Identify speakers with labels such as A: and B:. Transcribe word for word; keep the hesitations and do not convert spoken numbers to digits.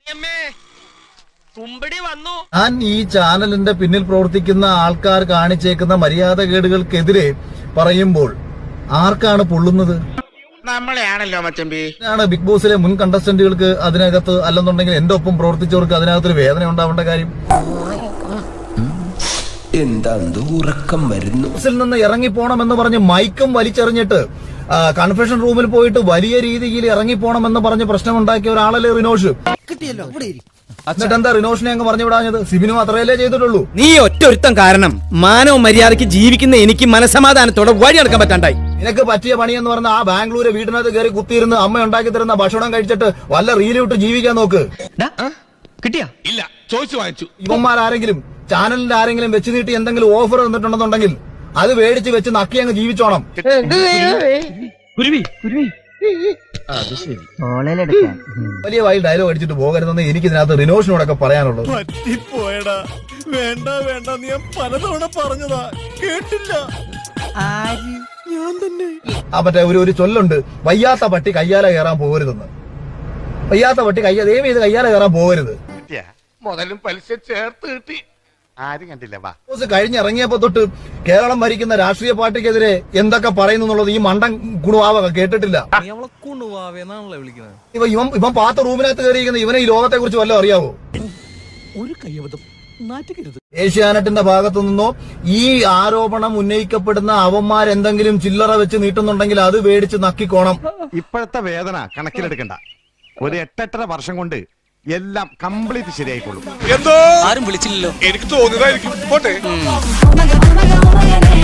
A: ഞാൻ ഈ ചാനലിന്റെ പിന്നിൽ പ്രവർത്തിക്കുന്ന ആൾക്കാർ കാണിച്ചേക്കുന്ന മര്യാദകേടുകൾക്കെതിരെ പറയുമ്പോൾ ആർക്കാണ് പൊള്ളുന്നത്?
B: നമ്മളെയാണല്ലോ മച്ചമ്പി.
A: ആണ് ബിഗ് ബോസിലെ മുൻ കണ്ടസ്റ്റന്റുകൾക്ക് അതിനകത്ത്, അല്ലെന്നുണ്ടെങ്കിൽ എന്റെ ഒപ്പം പ്രവർത്തിച്ചവർക്ക് അതിനകത്തൊരു വേദന ഉണ്ടാവേണ്ട കാര്യം
C: എന്താ? ഉറക്കം വരുന്നു.
A: ബോസിൽ നിന്ന് ഇറങ്ങിപ്പോണമെന്ന് പറഞ്ഞ് മൈക്കും വലിച്ചെറിഞ്ഞിട്ട് കൺഫെഷൻ റൂമിൽ പോയിട്ട് വലിയ രീതിയിൽ ഇറങ്ങിപ്പോണമെന്ന് പറഞ്ഞ് പ്രശ്നമുണ്ടാക്കിയ ഒരാളല്ലേ റിനോഷ്. എന്നിട്ട് എന്താ റിനോഷിനെ അങ്ങ് പറഞ്ഞു വിടാഞ്ഞത്? സിബിനും അത്രയല്ലേ ചെയ്തിട്ടുള്ളൂ.
D: നീ ഒറ്റൊരുത്തം കാരണം മാനവ മര്യാദയ്ക്ക് ജീവിക്കുന്ന എനിക്ക് മനസമാധാനത്തോടെ വഴി നടക്കാൻ പറ്റാണ്ടായി.
A: നിനക്ക് പറ്റിയ പണി എന്ന് പറഞ്ഞ ആ ബാംഗ്ലൂര് വീടിനകത്ത് കയറി കുത്തിയിരുന്ന് അമ്മ ഉണ്ടാക്കി തരുന്ന ഭക്ഷണം കഴിച്ചിട്ട് വല്ല റീലിട്ട് ജീവിക്കാൻ നോക്ക്.
D: കിട്ടിയാ?
B: ഇല്ല, ചോദിച്ചു വാങ്ങിച്ചു.
A: ഇവന്മാരാരെങ്കിലും ചാനലിന്റെ ആരെങ്കിലും വെച്ച് നീട്ടി എന്തെങ്കിലും ഓഫർ തന്നിട്ടുണ്ടെന്നുണ്ടെങ്കിൽ അത് മേടിച്ച് വെച്ച് നക്കി അങ്ങ് ജീവിച്ചോണം. വലിയ വായിൽ ഡയലോഗ് അടിച്ചിട്ട് പോകരുതെന്ന് എനിക്ക് ഇതിനകത്ത് റിനോഷിനോടൊക്കെ പറയാനുള്ളത്.
E: പറ്റിപ്പോയടാ, വേണ്ട വേണ്ട, നീ പലതവണ പറഞ്ഞതാ, കേട്ടില്ല. ഞാൻ തന്നെ.
A: ആ മറ്റേ ഒരു ഒരു ചൊല്ലുണ്ട്, വയ്യാത്ത പട്ടി കയ്യാല കയറാൻ പോകരുതെന്ന്. വയ്യാത്ത പട്ടി കയ്യ ദൈവം ഇത് കയ്യാല കയറാൻ പോകരുത്.
B: മുതലും പലിശ ചേർത്ത് കിട്ടി. ആരും കണ്ടില്ല. വാ,
A: കഴിഞ്ഞിറങ്ങിയപ്പോ തൊട്ട് കേരളം ഭരിക്കുന്ന രാഷ്ട്രീയ പാർട്ടിക്കെതിരെ എന്തൊക്കെ പറയുന്നു എന്നുള്ളത് ഈ മണ്ടൻ കുണുവാവ കേട്ടിട്ടില്ല. ഇവ ഇവൻ ഇവൻ പാത്ത റൂമിനകത്ത് കയറിയിരിക്കുന്ന ഇവനെ ഈ ലോകത്തെ കുറിച്ച് വല്ലതും അറിയാവോ?
E: ഒരു കയ്യബദ്ധം നാറ്റുകരുത്.
A: ഏഷ്യാനെറ്റിന്റെ ഭാഗത്തു നിന്നോ ഈ ആരോപണം ഉന്നയിക്കപ്പെടുന്ന അവന്മാരെന്തെങ്കിലും ചില്ലറ വെച്ച് നീട്ടുന്നുണ്ടെങ്കിൽ അത് മേടിച്ച് നക്കിക്കോണം.
F: ഇപ്പോഴത്തെ വേദന കണക്കിലെടുക്കണ്ട. ഒരു എട്ടെട്ടര വർഷം കൊണ്ട് എല്ലാം കംപ്ലീറ്റ് ശരിയായിക്കോളും.
B: എന്തോ ആരും വിളിച്ചില്ലല്ലോ. എനിക്ക് തോന്നിയതായിരിക്കും. പോട്ടെ.